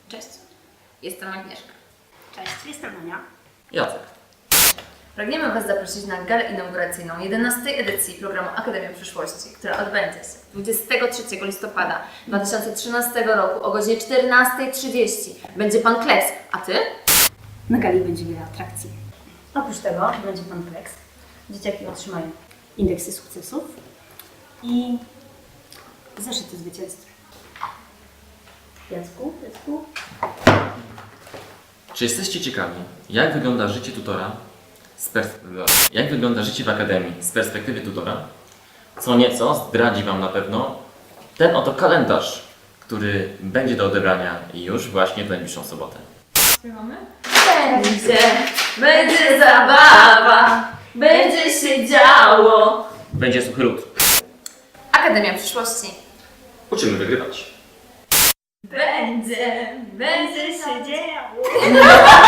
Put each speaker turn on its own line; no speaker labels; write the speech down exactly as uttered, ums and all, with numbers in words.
Cześć.
Jestem Agnieszka.
Cześć, jestem Ania.
Jacek.
Pragniemy Was zaprosić na galę inauguracyjną jedenastej edycji programu Akademia Przyszłości, która odbędzie się dwudziestego trzeciego listopada dwa tysiące trzynastego roku o godzinie czternastej trzydzieści. Będzie Pan Kleks, a Ty?
Na gali będzie wiele atrakcji. Oprócz tego będzie pan Kleks. Dzieciaki otrzymają indeksy sukcesów i zeszyty zwycięstw. Jacku, Jacku?
Czy jesteście ciekawi, jak wygląda życie tutora z pers- jak wygląda życie w Akademii z perspektywy tutora? Co nieco zdradzi Wam na pewno ten oto kalendarz, który będzie do odebrania już właśnie w najbliższą sobotę.
Będzie, będzie zabawa, będzie się działo.
Będzie suchy lód.
Akademia Przyszłości.
Uczymy wygrywać.
Będzie, będzie się działo.